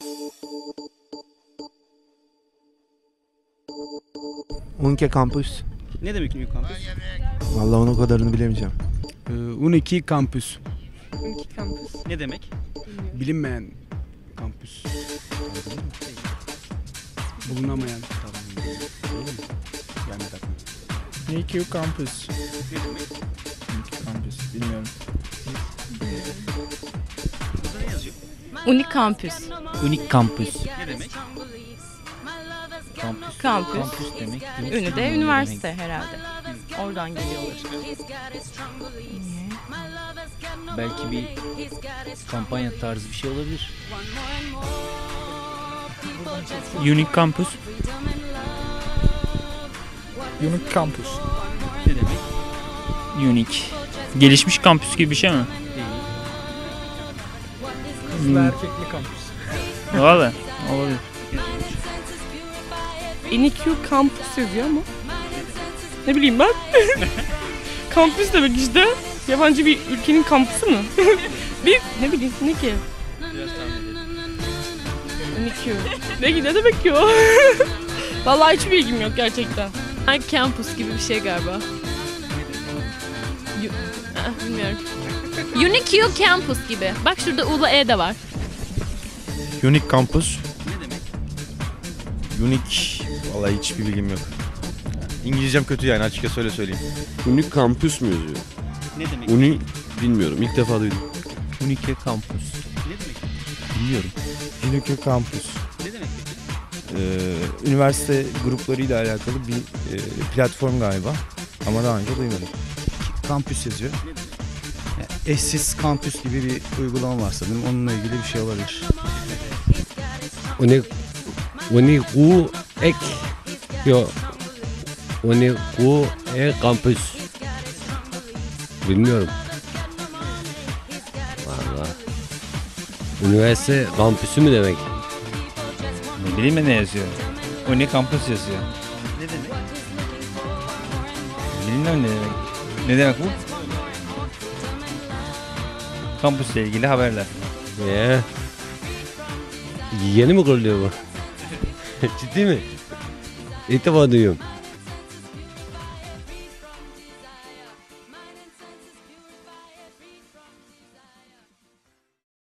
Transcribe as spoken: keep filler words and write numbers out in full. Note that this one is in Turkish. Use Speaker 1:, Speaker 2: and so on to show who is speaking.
Speaker 1: Unique Campus.
Speaker 2: Ne demek Unique Campus?
Speaker 1: Vallahi onun kadarını bilemeyeceğim.
Speaker 3: Ee, Unique Campus.
Speaker 4: Unique Campus.
Speaker 2: Ne demek?
Speaker 3: Bilinmeyen kampüs. Bulunamayan. Gelmedi aklıma.
Speaker 5: Unique Campus.
Speaker 2: Ne demek?
Speaker 5: Unique Campus. Bilmiyorum.
Speaker 2: Burada ne yazıyor?
Speaker 6: Unik kampüs.
Speaker 7: Unik kampüs.
Speaker 2: Ne demek?
Speaker 7: Kampüs.
Speaker 6: Kampüs.
Speaker 7: Kampüs demek.
Speaker 6: Ünü de üniversite herhalde. Oradan geliyorlar.
Speaker 7: Belki bir kampanya tarzı bir şey olabilir.
Speaker 5: Unique Campus. Unique Campus.
Speaker 2: Ne demek?
Speaker 5: Unique. Gelişmiş kampüs gibi bir şey mi?
Speaker 2: Değil.
Speaker 5: Kızlı erkekli kampüs. Valla. Olabilir.
Speaker 4: Unique Campus yazıyor ama. Ne bileyim ben. Kampüs demek işte. Yabancı bir ülkenin kampüsü mü? bir ne bileyim ne ki?
Speaker 2: Biraz tahmin edelim.
Speaker 4: Unique. Ne, ne demek ki o? Vallahi hiç bilgim yok gerçekten.
Speaker 8: Campus gibi bir şey galiba. Yu- Ah, bilmiyorum. Unique Campus gibi. Bak şurada U'la E de var.
Speaker 9: Unique Campus.
Speaker 2: Ne demek?
Speaker 9: Unique. Vallahi hiçbir bilgim yok. İngilizcem kötü yani açıkça öyle söyleyeyim.
Speaker 10: Unique Campus mu yazıyor?
Speaker 2: Ne demek?
Speaker 10: Uni bilmiyorum. İlk defa duydum.
Speaker 7: Unique kampüs.
Speaker 2: Ne demek?
Speaker 7: Bilmiyorum.
Speaker 11: Unique Campus.
Speaker 2: Ne demek peki?
Speaker 11: Ee, üniversite gruplarıyla alakalı bir e, platform galiba. Ama daha önce duymadım.
Speaker 3: Kampüs yazıyor.
Speaker 2: Ne demek?
Speaker 3: Yani eşsiz kampüs gibi bir uygulama var sanırım. Onunla ilgili bir şey olabilir.
Speaker 10: Unique Unique ek yo Unique e Campus. Bilmiyorum. Vallahi. Üniversite kampüsü mü demek?
Speaker 5: Ne bileyim ben ne yazıyor. Unique Campus yazıyor.
Speaker 2: Ne demek?
Speaker 5: Bilmiyorum ne demek. Ne demek bu? Kampüsle ilgili haberler.
Speaker 10: Ee, yeni mi kuruluyor bu? Ciddi mi? İlk defa duyuyorum.